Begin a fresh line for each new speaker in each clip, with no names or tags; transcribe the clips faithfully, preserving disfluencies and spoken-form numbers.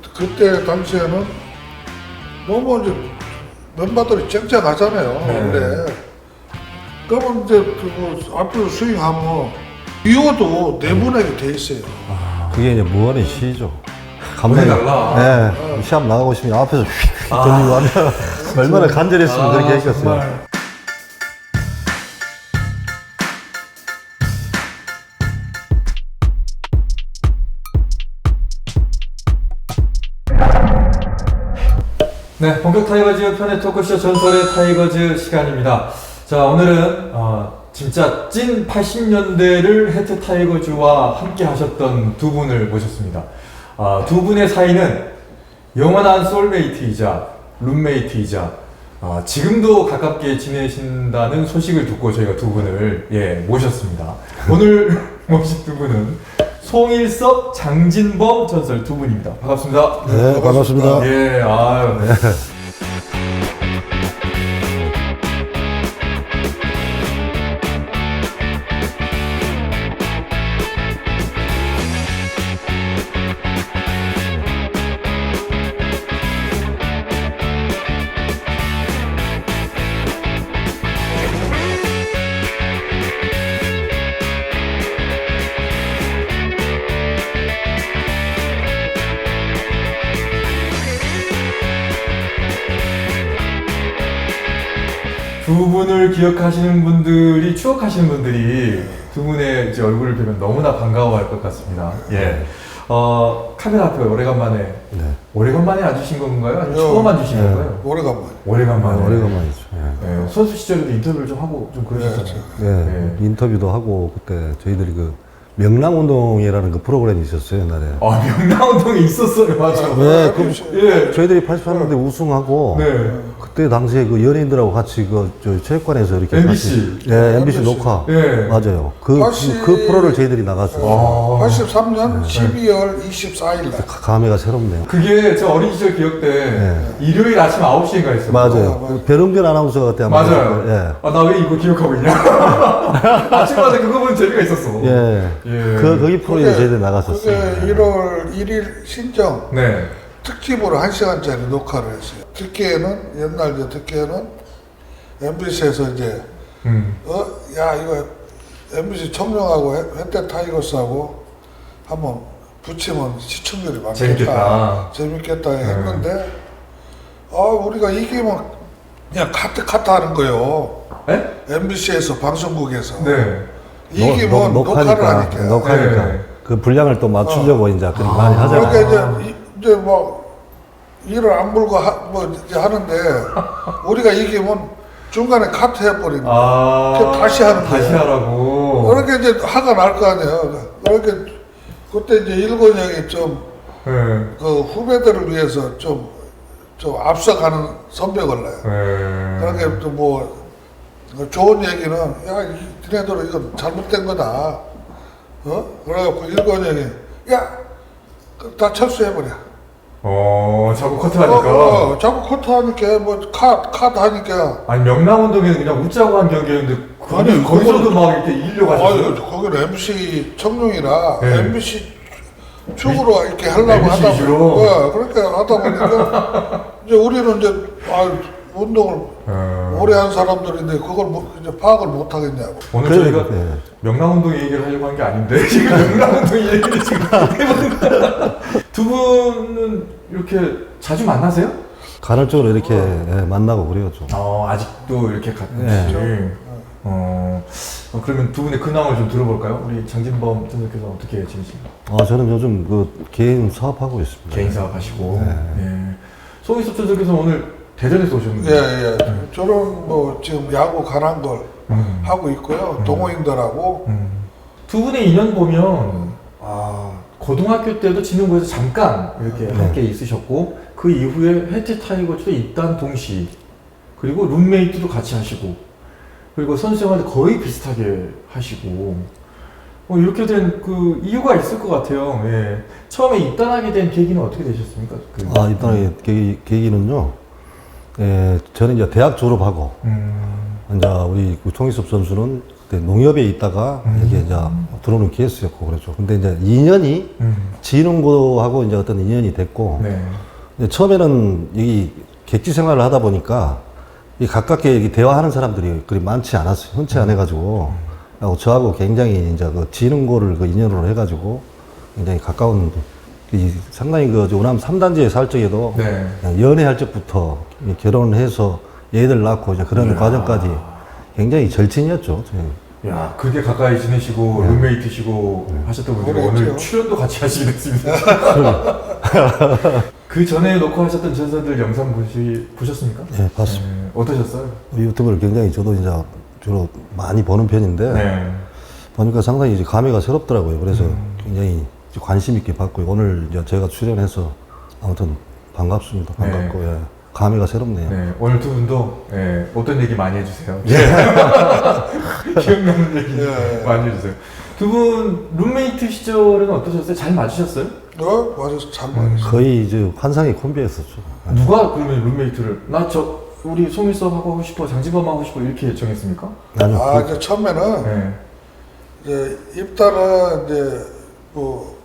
그때 당시에는 너무 이제 멤버들이 쨍쨍하잖아요.
네.
원래. 그러면 이제 그 앞으로 스윙하면 비워도 내보내게 돼 있어요.
그게 이제 무한의 시죠.
감독이 달라.
네, 시합 나가고 싶으면 앞에서 휙휙 돌리고 하면 얼마나 간절했으면
아,
그렇게 했겠어요.
정말. 네, 본격 타이거즈 편의 토크쇼 전설의 타이거즈 시간입니다. 자, 오늘은 어, 진짜 찐 팔십 년대를 해태 타이거즈와 함께 하셨던 두 분을 모셨습니다. 어, 두 분의 사이는 영원한 소울메이트이자 룸메이트이자 어, 지금도 가깝게 지내신다는 소식을 듣고 저희가 두 분을 예, 모셨습니다. 오늘 모신 두 분은 송일섭, 장진범 전설 두 분입니다. 반갑습니다.
네, 반갑습니다.
예, 아유. 두 분을 기억하시는 분들이, 추억하시는 분들이 두 분의 이제 얼굴을 보면 너무나 반가워할 것 같습니다. 예. 어, 카메라 앞에 오래간만에,
네.
오래간만에 앉으신 건가요? 아니면
어,
처음 앉으신
네.
건가요?
오래간만에.
오래간만에.
아, 오래간만이죠. 예.
예, 선수 시절에도 인터뷰를 좀 하고 좀 그러셨잖아요.
네,
예.
인터뷰도 하고 그때 저희들이 그 명랑운동이라는 그 프로그램이 있었어요, 옛날에.
아, 명랑운동에 있었어요, 맞아.
네, 그,
예.
저희들이 팔십삼 년대 우승하고
네.
그때 당시에 그 연예인들하고 같이 그 저 체육관에서 이렇게
엠비씨.
같이, 예, 엠비씨
엠비씨.
녹화.
예.
맞아요. 그,
팔십
그, 그 프로를 저희들이 나갔어요.
아.
팔십삼 년 십이월 이십사일 날.
감회가 새롭네요.
그게 저 어린 시절 기억 때
네.
일요일 아침 아홉 시인가 했어요.
맞아요.
맞아요.
그 배릉균 아나운서가 그때 아마
맞아요.
예.
아, 나 왜 이거 기억하고 있냐? 아침마다 그거 보면 재미가 있었어.
예.
예.
그, 거기 프로에 저희들이 나갔었어요.
그게 일월 일일 신정
네.
특집으로 한 시간짜리 녹화를 했어요. 듣기에는, 옛날 이제 듣기에는 엠비씨에서 이제,
음.
어, 야, 이거 엠비씨 청룡하고 해태 타이거스하고 한번 붙이면 시청률이 많겠다.
재밌겠다.
재밌겠다 했는데, 아, 우리가 이기면 그냥 카트 카트 하는 거예요.
네?
엠비씨에서 방송국에서.
네.
이기면
녹-
녹화를
녹화니까,
하니까.
녹화니까.
네.
그 분량을 또 맞추려고 이제 그렇게
아.
많이 하잖아요.
그러니까 이제, 이- 이제 뭐, 일을 안 불고 하, 뭐 이제 하는데, 우리가 이기면 중간에 카트 해버리는 거예요.
아.
그 다시 하는
다시
거예요.
하라고.
그렇게 이제 화가 날 거 아니에요. 그렇게, 그때 이제 일본 형이 좀,
네.
그 후배들을 위해서 좀, 좀 앞서가는 선벽을 내요.
네.
그렇게 또 뭐, 좋은 얘기는, 야, 이- 니네들은 이건 잘못된 거다. 어? 그래갖고 일본 형이, 야, 그다 철수해버려.
어, 자꾸 커트
어,
하니까.
어, 자꾸 커트 하니까, 뭐, 카, 카드 하니까.
아니, 명랑운동에는 그냥 웃자고 한 경기였는데, 거
아니,
거기서도 막 이렇게 이기려고 하셨어요?
아유, 거기는 엠비씨 청룡이라,
네.
엠비씨 축으로 이렇게 하려고
엠비씨
하다
위주로?
보니까, 그렇게 하다 보니까, 이제 우리는 이제, 아 운동을
어.
오래 한 사람들인데, 그걸 뭐, 이제 파악을 못 하겠냐고.
오늘
그래,
저희가
네.
명랑운동 얘기를 하려고 한 게 아닌데 지금 명랑운동 얘기를 지금 해보는 거야. 두 분은 이렇게 자주 만나세요?
간헐적으로 이렇게 예, 만나고 그래요, 좀.
어, 아직도 이렇게 같이.
네.
어, 어, 그러면 두 분의 근황을 좀 들어볼까요? 우리 장진범 선생님께서 어떻게 지내십니까?
아, 저는 요즘 그 개인 사업하고 있습니다.
개인 사업하시고. 예. 송일섭 선생님께서 오늘 대전에서 오셨는데.
예, 예. 저는 뭐, 지금 야구 가난 걸
음.
하고 있고요. 동호인들하고.
음. 두 분의 인연 보면 아 고등학교 때도 진흥부에서 잠깐 이렇게
네.
함께 있으셨고 그 이후에 해태 타이거즈도 입단 동시 그리고 룸메이트도 같이 하시고 그리고 선수 생활도 거의 비슷하게 하시고 뭐 이렇게 된 그 이유가 있을 것 같아요. 예. 처음에 입단하게 된 계기는 어떻게 되셨습니까? 그,
아, 일단 계기, 계기는요. 예, 저는 이제 대학 졸업하고,
음,
이제 우리 그 송일섭 선수는 그때 농협에 있다가
음.
이게 이제 들어오는 케이스였고 그랬죠. 근데 이제 이 년이
음.
지인고하고 이제 어떤 인연이 됐고,
네.
근데 처음에는 이 객지 생활을 하다 보니까 이 가깝게 이렇게 대화하는 사람들이 그리 많지 않았어요. 흔치 않아가지고, 하고 저하고 굉장히 이제 그 지능고를 그 인연으로 해가지고 굉장히 가까운, 이 상당히 그 우남 삼 단지에 살 적에도
네.
연애할 적부터 이 결혼을 해서 애들 낳고 이제 그런
이야.
과정까지 굉장히 절친이었죠. 저희.
야, 그렇게 가까이 지내시고
네.
룸메이트시고 하셨던 분들이
그랬죠.
오늘 출연도 같이 하시게 됐습니다. 그 전에 놓고 하셨던 전사들 영상 보시, 보셨습니까?
네, 봤습니다.
네, 어떠셨어요?
유튜브를 굉장히 저도 이제 주로 많이 보는 편인데
네.
보니까 상당히 이제 감회가 새롭더라고요. 그래서
음.
굉장히 관심 있게 봤고 오늘 이제 제가 출연해서 아무튼 반갑습니다. 반갑고 예. 감회가 새롭네요.
네, 오늘 두 분도 예, 어떤 얘기 많이 해주세요. 기억 남는 얘기
예.
많이 해주세요. 두 분 룸메이트 시절은 어떠셨어요? 잘 맞으셨어요?
어? 맞아서 잘 맞았어.
거의 이제 환상의 콤비였었죠.
누가 그러면 룸메이트를 나 저 우리 송일섭 하고 싶어, 장진범 하고 싶어 이렇게 정했습니까?
아니요.
아,
그-
이제 처음에는
네.
이제 입단은 이제 뭐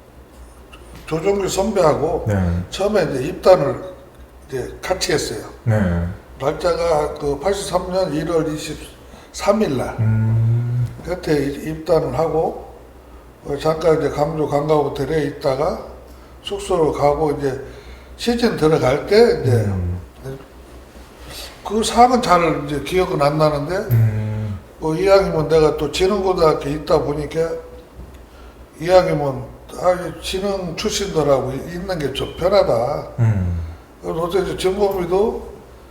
조종규 선배하고
네.
처음에 이제 입단을 이제 같이 했어요.
네.
날짜가 그 팔십삼 년 일월 이십삼 일 날.
음.
그때 입단을 하고 어, 잠깐 이제 강주 관광호텔에 있다가 숙소로 가고 이제 시즌 들어갈 때 이제
음.
그 상은 잘 이제 기억은 안 나는데
음.
뭐 이왕이면 내가 또 지능고등학교 있다 보니까 이왕이면 아 지능 출신들하고 있는 게 좀 편하다.
음.
그래서 어째 이제 정범이도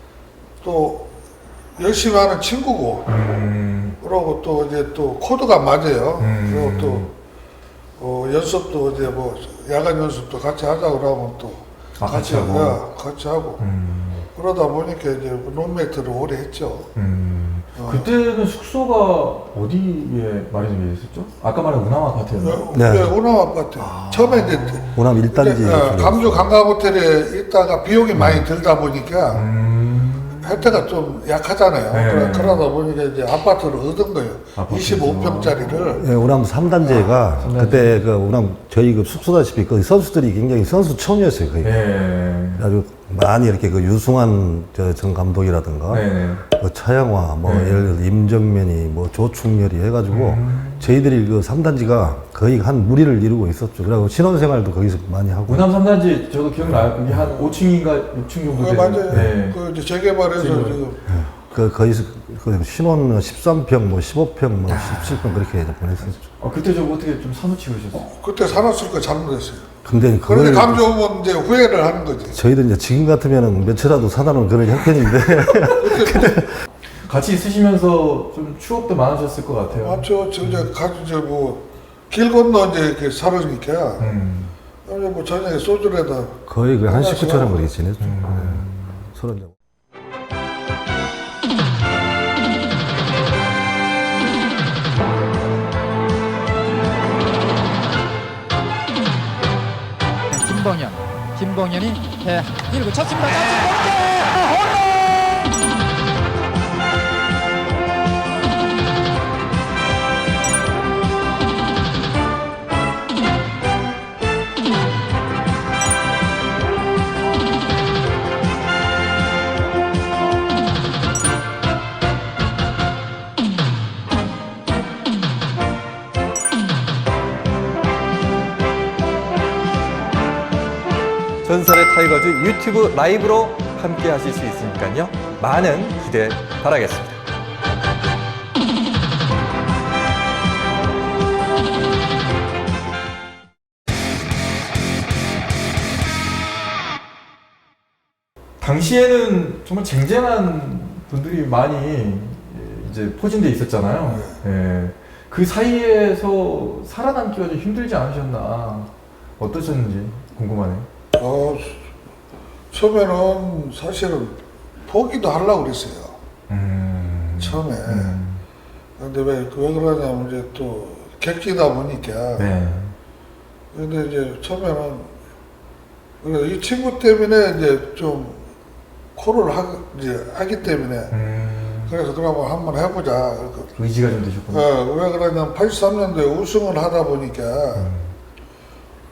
또 열심히 하는 친구고
음.
그러고 또 이제 또 코드가 맞아요.
음.
그리고 또 어, 연습도 이제 뭐 야간 연습도 같이 하자고 그러면 또
아, 같이 하고?
야, 같이 하고
음.
그러다 보니까 이제 룸메이트를 오래 했죠.
음.
어.
그때는 숙소가 어디에 마련이 됐었죠? 아까 말한 운암 아파트였나요?
네.
네. 오남 아파트. 처음에 이제
호남 일 단지.
이제, 어, 강주 관광호텔에 있다가 비용이 많이 들다 보니까
음.
혜택가 좀 약하잖아요.
네.
그러- 그러다 보니까 이제 아파트를 얻은 거예요.
아파트에서.
이십오 평짜리를.
예, 우남 삼 단지가
삼 단지.
그때 그 우남 저희 그 숙소다시피 그 선수들이 굉장히 선수촌이었어요. 거의.
네.
아주 많이 이렇게 그 유승환 저 전 감독이라든가
네네.
그 차영화, 뭐
네.
예를 들어 임정면이, 뭐 조충렬이 해가지고
음.
저희들이 그 삼 단지가 거의 한 무리를 이루고 있었죠. 그리고 신혼생활도 거기서 많이 하고.
운암 삼 단지 저도 기억나요. 그게 한 오 층인가 육 층 정도
네,
되는.
맞아요.
네.
그 이제 재개발해서
지금.
지금
그 거기서 그 신혼 십삼 평, 뭐 십오 평, 뭐 십칠 평 그렇게 보냈었죠.
어, 그때 좀 어떻게 좀 사무치 그러셨어요?
그때 사놨을 거 잘못했어요.
근데
그런데
그걸
감주 오면 이제 후회를 하는 거지.
저희들 이제 지금 같으면은 며칠라도 사다 놓은 그런 형편인데
같이 있으시면서 좀 추억도 많으셨을 것 같아요.
맞죠. 저 이제 가서 이제 뭐길 건너 이제 이렇게 살으니까
음.
이제 뭐 저녁에 소주에다
거의 그 한 식구처럼 그렇게 지냈죠.
음.
네. 서로 이제
김봉현, 김봉현이 해 일구 쳤습니다. 홈런!
전설의 타이거즈 유튜브 라이브로 함께 하실 수 있으니까요. 많은 기대 바라겠습니다. 당시에는 정말 쟁쟁한 분들이 많이 이제 포진돼 있었잖아요. 예. 그 사이에서 살아남기가 좀 힘들지 않으셨나 어떠셨는지 궁금하네요.
어, 처음에는 사실은 포기도 하려고 그랬어요.
음.
처음에.
음.
근데 왜, 왜 그러냐면 이제 또 객지다 보니까.
네.
근데 이제 처음에는 그래, 이 친구 때문에 이제 좀 코를 하, 이제 하기 때문에
음.
그래서 그러면 한번 해보자.
의지가 좀 되셨군요.
어, 왜 그러냐면 팔십삼 년도에 우승을 하다 보니까
음.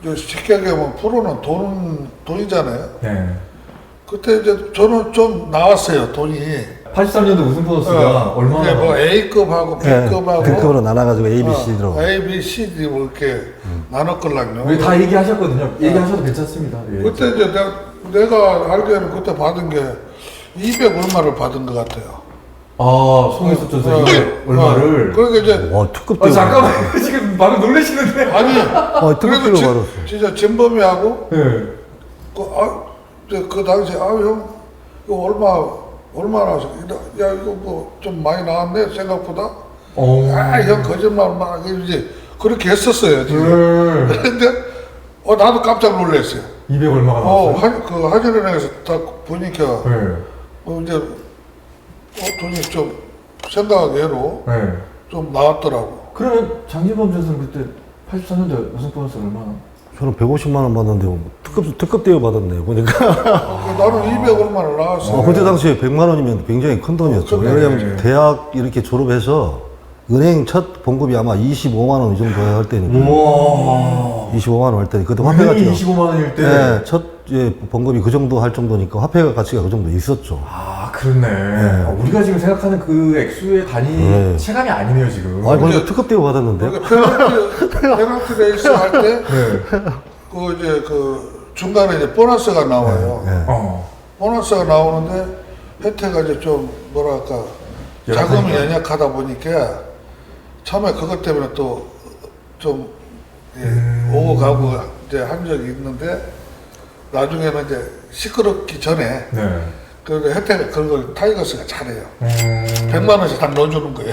이제 쉽게 얘기하면 프로는 돈, 돈이잖아요.
네.
그때 이제 저는 좀 나왔어요, 돈이.
팔십삼 년도 우승 보너스가
어,
얼마나?
이게 뭐 A급하고
예,
B급하고
등급으로 나눠가지고 A, B, C로.
어, A, B, C, D 뭐 이렇게 나눴걸랑요.
우리 다 얘기하셨거든요. 얘기하셔도 괜찮습니다. 예.
그때 이제 내가, 내가 알기에는 그때 받은 게 이백 얼마를 받은 것 같아요.
아, 송혜숙 전사
어,
이백
어,
얼마를?
그러니까 이제
와, 특급
아,
대우.
잠깐만. 지금 방금 놀라시는데?
아니
어, 특급
그래도
대우
진-
받았어.
진짜 진범이하고
네.
그, 아, 이제 그 당시에 아형 이거 얼마 얼마 나왔어? 야 이거 뭐 좀 많이 나왔네 생각보다.
어.
아 형 거짓말 막 이제 그렇게 했었어요. 지금.
네.
그런데 어 나도 깜짝 놀랐어요.
이백 얼마가
어,
나왔어요?
한, 그 하진은행에서 딱 보니까
네.
어, 이제 어, 돈이 좀 생각외로
네.
좀 나왔더라고.
그러면 장진범 선수는 그때 팔십삼 년도 우승 보너스 얼마나?
저는 백오십만 원 받았는데 뭐 특급 특급 대우 받았네요. 보니까.
어, 나는 이백 얼마를 나왔어.
어, 그때 당시에 백만 원이면 굉장히 큰 돈이었죠.
어, 그래.
왜냐면 대학 이렇게 졸업해서 은행 첫 봉급이 아마 이십오만 원 이 정도 할 때니까.
우와.
이십오만 원 할 때니 그때 화폐
은행이
가치가
이십오만 원일 때.
네, 첫 예, 봉급이 그 정도 할 정도니까 화폐 가치가 그 정도 있었죠.
아, 그렇네. 아, 우리가 지금 생각하는 그 액수의 단위
네.
체감이 아니네요, 지금.
아니 보니까 특급 대우 받았는데.
그러니까 페널티, 페널티 레이스 할 때,
네.
그 이제 그 중간에 이제 보너스가 나와요.
네.
어.
보너스가 나오는데 혜태가 이제 좀 뭐랄까 자금이
연약하니까.
연약하다 보니까 처음에 그것 때문에 또 좀 예,
음.
오고 가고 이제 한 적이 있는데 나중에는 이제 시끄럽기 전에
네.
그 혜태가 그런 걸 타이거스가 잘해요.
음.
백만 원씩 딱 넣어주는 거예요.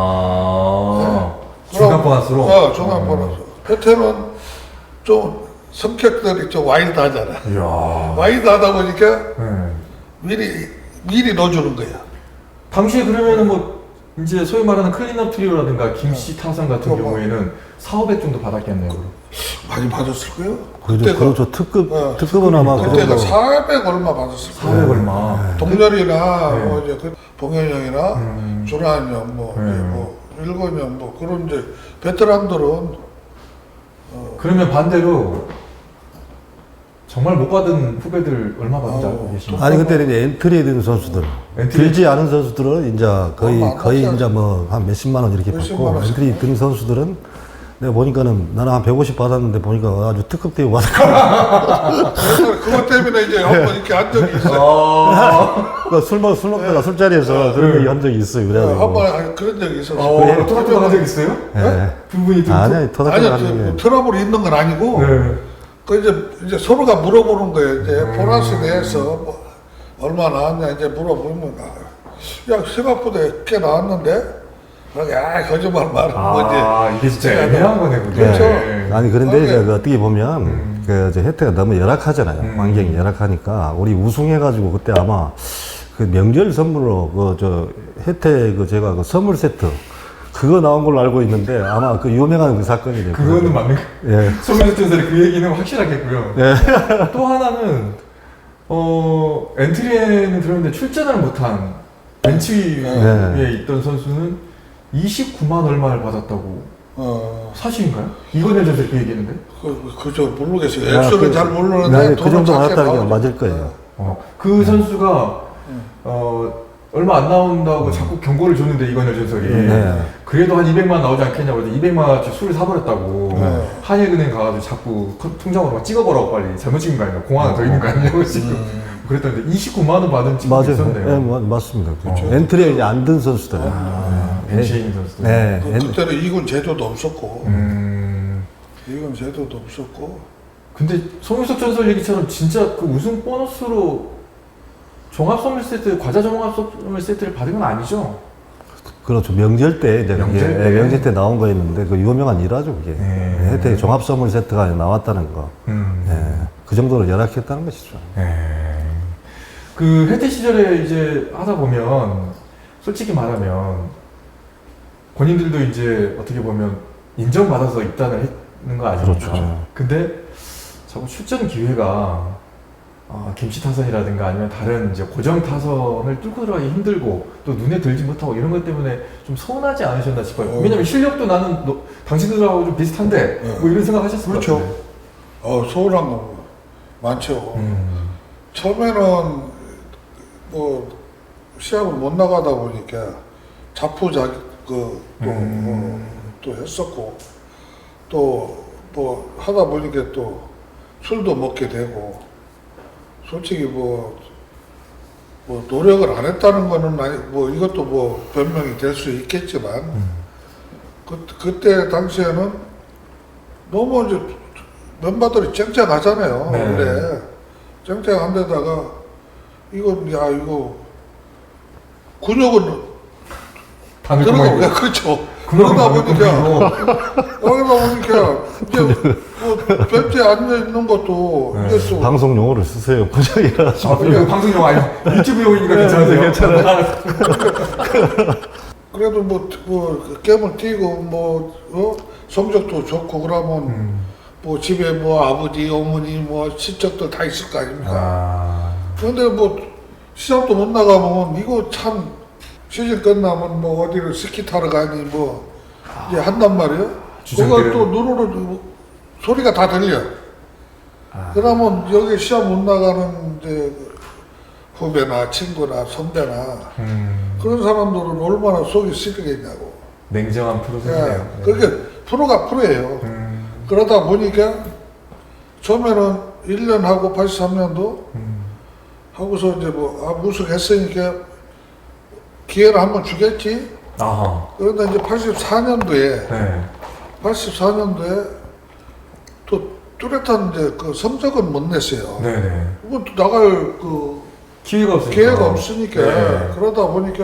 아.
네.
중간 보너스로?
어, 중간
음.
보너스. 혜태는 좀 성격들이 좀 와일드하잖아.
이야.
와일드하다 보니까
네.
미리 미리 넣어주는 거야.
당시에 그러면은 뭐 이제 소위 말하는 클린업 트리오라든가 김씨 타선 같은
어, 뭐.
경우에는 사오백 정도 받았겠네요. 그럼.
많이 받았을 거예요.
그죠, 그렇죠. 특급
어,
특급은 아마 그
그때가
정도.
사백 얼마 받았을 거예요.
사백 얼마.
동렬이나
네.
뭐 이제 그 봉현 형이나
음.
준환 형, 뭐,
네.
이제 뭐 일건 형, 뭐 그런 이제 베테랑들은
그러면 반대로 정말 못 받은 후배들 얼마 받는지 알고
어,
계십니까?
아니 그때 이제 엔트리에 든 선수들,
엔트리?
들지 않은 선수들은 이제 거의
얼마 안
거의
받지
이제 뭐 한 몇십만 원 이렇게
몇십만
받고
원씩
엔트리 든 선수들은 내가 보니까는 나는 한 백오십 받았는데 보니까 아주 특급 대우 받았고
그래서 그것 때문에 이제 한번 이렇게 한 적이 있어요.
아.
술 먹, 술 먹다가 술자리에서 그런 얘기 한 적이 있어요. 그래가지고.
한번 그런 적이 있었어요.
어, 토닥토닥 한적 있어요?
예.
두 분이 좀.
아니, 아니, 토닥토닥
아니요,
하는
저,
게.
트러블이 있는 건 아니고,
네.
그 이제, 이제 서로가 물어보는 거예요. 이제 보너스 내에서 뭐 얼마 나왔냐 이제 물어보면, 아, 야, 생각보다 꽤 나왔는데? 그러게, 아, 거짓말 말하는 거지.
아, 이게 진짜 애매한 거네, 그게.
그렇죠.
아니, 그런데
그러게.
이제 그 어떻게 보면, 그, 이제 혜태가 너무 열악하잖아요.
음.
환경이 열악하니까. 우리 우승해가지고 그때 아마 그 명절 선물로 그, 저, 혜태 그 제가 그 선물 세트. 그거 나온 걸로 알고 있는데 아마 그 유명한 그 사건이래요.
그거는 맞는 거.
예.
소민수 전설의 그 얘기는 확실하겠고요.
예.
또 하나는, 어, 엔트리에는 들었는데 출전을 못한 벤치
네.
위에 있던 선수는 이십구만 얼마를 받았다고.
어,
사실인가요? 이건현 전설 그 얘기했는데?
그, 그저 모르겠어요.
야,
액수는
그-
잘 모르는데.
아니, 그
돈은
정도
작게
받았다는 게
나오죠.
맞을 거예요.
어, 그 선수가, 어, 얼마 안 나온다고 자꾸 경고를 줬는데, 이건현 전설이.
네.
그래도 한 이백만 나오지 않겠냐고 해서 이백만 원어치 술을 사버렸다고.
네.
한일은행 가가지고 자꾸 통- 통장으로 막 찍어보라고 빨리. 잘못 찍은 거 아니야? 공 하나 더 있는 거 아니냐고 지금. 그랬던데, 이십구만 원 받은 친구가
맞아요.
있었네요.
예, 뭐, 맞습니다.
그렇죠.
엔트리에 이제 안 든 선수들.
아, 벤치에 있는 선수들.
네.
그,
엔-
그때는 이군 제도도 없었고,
음.
이군 제도도 없었고,
근데 송유석 전설 얘기처럼 진짜 그 우승 보너스로 종합 선물 세트, 과자 종합 선물 세트를 받은 건 아니죠?
그렇죠. 명절 때, 이제
명절
그게,
때?
예, 명절 때 나온 거였는데, 그 유명한 일화죠, 그게.
네.
혜태 종합 선물 세트가 나왔다는 거.
음.
예. 그 정도로 열악했다는 것이죠.
네. 그 혜태 시절에 이제 하다 보면 솔직히 말하면 본인들도 이제 어떻게 보면 인정받아서 입단을 했는 거 아닙니까?
그렇죠.
근데 자꾸 출전 기회가 어, 김치 타선이라든가 아니면 다른 이제 고정 타선을 뚫고 들어가기 힘들고 또 눈에 들지 못하고 이런 것 때문에 좀 서운하지 않으셨나 싶어요.
어.
왜냐면 실력도 나는 너, 당신들하고 좀 비슷한데
네.
뭐 이런 생각 하셨을 것
그렇죠.
같아요.
어, 서운한 거 많죠.
음.
처음에는 뭐 시합을 못 나가다 보니까 자포자기 그또
음.
어, 또 했었고 또 뭐 하다 보니까 또 술도 먹게 되고 솔직히 뭐, 뭐 노력을 안 했다는 거는 아니 뭐 이것도 뭐 변명이 될 수 있겠지만
음.
그 그때 당시에는 너무 이제 멤버들이 쨍쨍하잖아요.
네.
원래 쨍쨍한 데다가 이거 야 이거 근육은
방금
들어가
그만-
왜 그렇죠.
그만-
그러다
그만-
보니까 여기다 보니까 이제 뭐 벤치에 앉아 있는 것도
네.
이제 또
방송 용어를 쓰세요. 부장이라.
아, 이거 방송용 아니 유튜브 용이니까
네,
괜찮으세요?
괜찮아요.
그래도 뭐, 뭐 게임을 뛰고 뭐 어? 성적도 좋고 그러면
음.
뭐 집에 뭐 아버지 어머니 뭐 친척들 다 있을 거 아닙니까.
아.
그런데 뭐 시합도 못 나가면 이거 참 시즌 끝나면 뭐 어디를 스키 타러 가니 뭐 이제 한단 말이에요.
주전들은-
그거 또 눈으로 소리가 다 들려.
아.
그러면 여기 시합 못 나가는 이제 후배나 친구나 선배나
음.
그런 사람들은 얼마나 속이 쓰리겠냐고.
냉정한 프로세스네요.
예, 그게 프로가 프로예요.
음.
그러다 보니까 처음에는 일 년 하고 팔십삼 년도
음.
하고서 이제 뭐 아, 우승했으니까 기회를 한번 주겠지.
아하.
그런데 이제 팔십사 년도에
네.
팔십사 년도에 또 뚜렷한 이제 그 성적은 못 냈어요.
네네.
뭐 나갈 그
기회가 없으니까.
기회가 없으니까
네.
그러다 보니까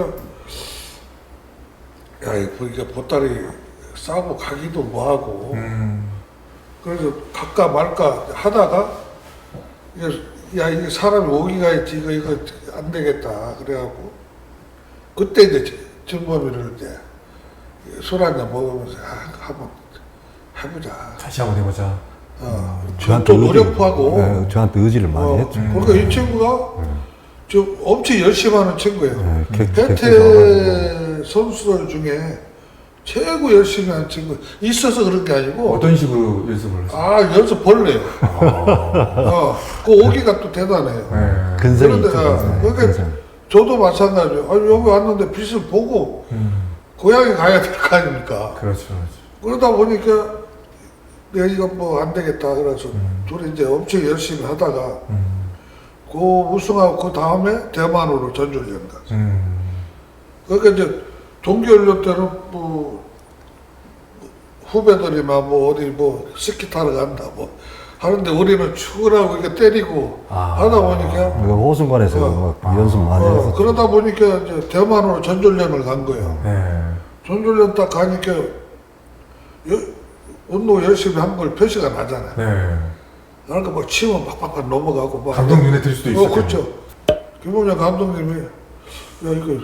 야 이거 이게 보따리 싸고 가기도 뭐하고
음.
그래서 갈까 말까 하다가 이게 야 이게 사람이 오기가 있지 이거 이거 안 되겠다 그래갖고 그때 이제 정범이를 이제 술 한잔 먹으면서 아, 한번 해보자.
다시 한번 해보자.
어,
저한테
또
의지-
노력하고
네, 저한테 의지를 많이
어,
했죠.
그러니까 이 친구가 저 엄청 열심히 하는 친구예요.
네, 객-
혜태 선수들 중에 최고 열심히 하는 친구 있어서 그런 게 아니고
어떤 식으로 연습을 했어요?
아 연습 벌레요.
아.
어, 그 오기가 또 대단해요.
네.
근성이
그런데
있죠.
아,
근성.
그러니까
근성.
저도 마찬가지예요. 아니, 여기 왔는데 빛을 보고
음.
고향에 가야 될 거 아닙니까?
그렇죠, 그렇죠.
그러다 보니까 내가 이거 뭐 안 되겠다 그래서
음.
둘이 이제 엄청 열심히 하다가
음.
그 우승하고 그 다음에 대만으로 전주훈련 갔어.
음.
그러니까 이제 동계훈련 때는 뭐 후배들이나 뭐 어디 뭐 스키 타러 간다 뭐 하는데 우리는 출근하고 이렇게 때리고
아.
하다 보니까
우리가 호수관에서
어.
막 연습 많이
어,
했었죠.
그러다 보니까 이제 대만으로 전주훈련을 간 거예요.
네.
전주훈련 딱 가니까 여, 운동 열심히 한 걸 표시가 나잖아요.
네.
그러니까 막 치면 팍팍팍 넘어가고 막
감독 눈에 띌 수도
어,
있어요.
그렇죠. 김원영 감독님이 야 이거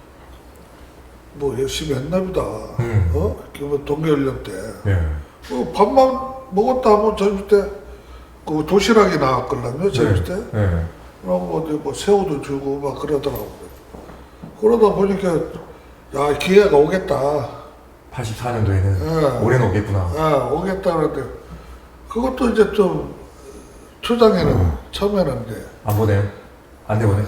뭐 열심히 했나 보다.
음.
어? 그 동계훈련 때.
네.
어, 밥만 먹었다 하면 젊을 때, 그 도시락이 나왔거든요, 젊을 때.
네.
그러고 어디 뭐 새우도 주고 막 그러더라고요. 그러다 보니까, 야, 기회가 오겠다.
팔십사 년도에는
네.
올해는 오겠구나.
아, 오겠다. 그런데, 그것도 이제 좀, 초장에는,
음.
처음에는 이제,
안 보내요? 안 내보내?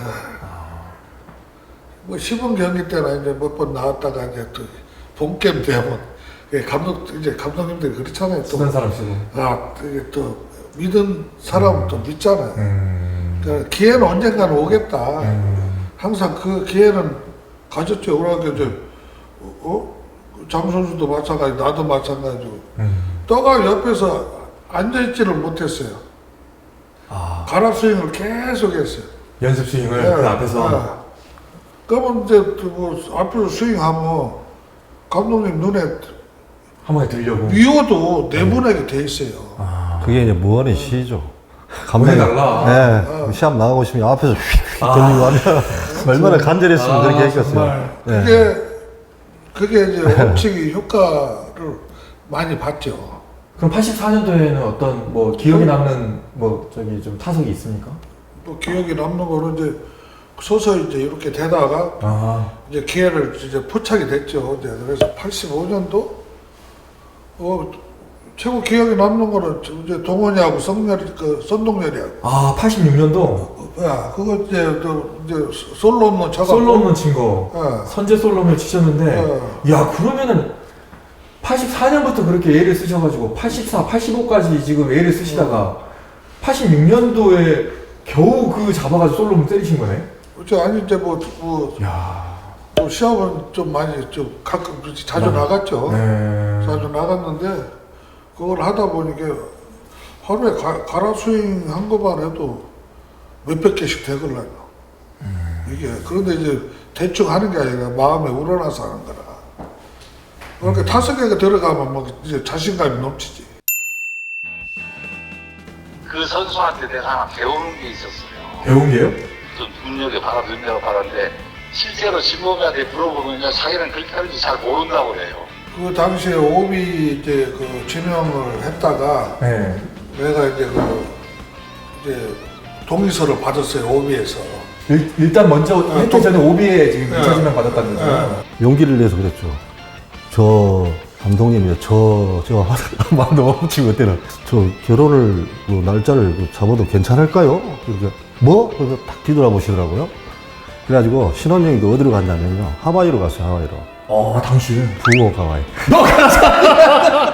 뭐 시범 경기 때나 이제 몇 번 나왔다가 이제 또, 본게임 되면, 예, 감독, 이제 감독님들이 그렇잖아요. 또,
쓰는 사람 쓰고.
아, 이게 또, 믿은 사람은 또 믿잖아요.
음.
그러니까 기회는 언젠가는 오겠다.
음.
항상 그 기회는 가졌죠. 그러니까 이제 어? 장 선수도 마찬가지, 나도 마찬가지고.
음.
떠가 옆에서 앉아있지를 못했어요.
아.
가랍 스윙을 계속 했어요.
연습 스윙을
예,
그 앞에서.
예. 그러면 이제 뭐 앞에서 스윙하면 감독님 눈에
한 번에 들려고.
미워도 내보내게 돼 있어요.
아.
그게 이제 무한의 시죠.
보내 달라.
네, 시합 나가고 싶으면 앞에서 휙휙
아.
돌리고 하면 얼마나 간절했으면
아,
그렇게 했겠어요.
정말.
네.
그게 그게 이제 엄청히 효과를 많이 봤죠.
그럼 팔십사 년도에는 어떤 뭐 기억에 남는 뭐 저기 좀 타석이 있습니까?
또 기억이 남는 거는 이제 서서히 이제 이렇게 되다가
아.
이제 기회를 이제 포착이 됐죠. 이제 그래서 팔십오 년도 어 최고 기억에 남는 거는 저- 이제 동원이하고 성렬이, 그 선동열이하고.
아, 팔십육 년도
야, 그거 이제, 저, 이제 솔로 없는 차가.
솔로 홈런 친 거.
예.
선제 솔로 홈런 치셨는데, 야, 그러면은 팔십사 년부터 그렇게 A를 쓰셔가지고 팔십사, 팔십오까지 지금 A를 쓰시다가 팔십육 년도에 겨우 그 잡아가지고 솔로 홈런 때리신 거네?
그렇죠. 아니, 이제 뭐, 뭐,
야.
또 시합은 좀 많이 좀 가끔 자주
네.
나갔죠.
네.
자주 나갔는데 그걸 하다 보니까 하루에 가, 가라 스윙 한 것만 해도 몇백 개씩 되걸라요.
음.
이게 그런데 이제 대충 하는 게 아니라 마음에 우러나서 하는 거라. 그러니까 다섯 개가 들어가면 막 이제 자신감이 넘치지.
그 선수한테 내가 하나 배우는 게 있었어요.
배운 게요?
좀 눈여겨봐라, 눈여겨봐라는데 실제로 진범이한테 물어보면요, 자기는 그렇게 하는지 잘 모른다고 그래요.
그 당시에 오비 이제 그 지명을 했다가
네.
내가 이제 그 이제 동의서를 받았어요, 오비에서.
일, 일단 먼저 혜태
또-
전에 오비에 지금
네.
이 차 지명 받았다는 거죠?
네.
용기를 내서 그랬죠. 저 감독님이 저, 저 말 너무 치고 그때는 저 결혼을 뭐 날짜를 그 잡아도 괜찮을까요? 그러니까 뭐? 그래서 딱 뒤돌아보시더라고요. 그래가지고 신혼여행도 어디로 갔냐면요. 하와이로 갔어요, 하와이로.
어, 당신.
부모 하와이.
너 가자!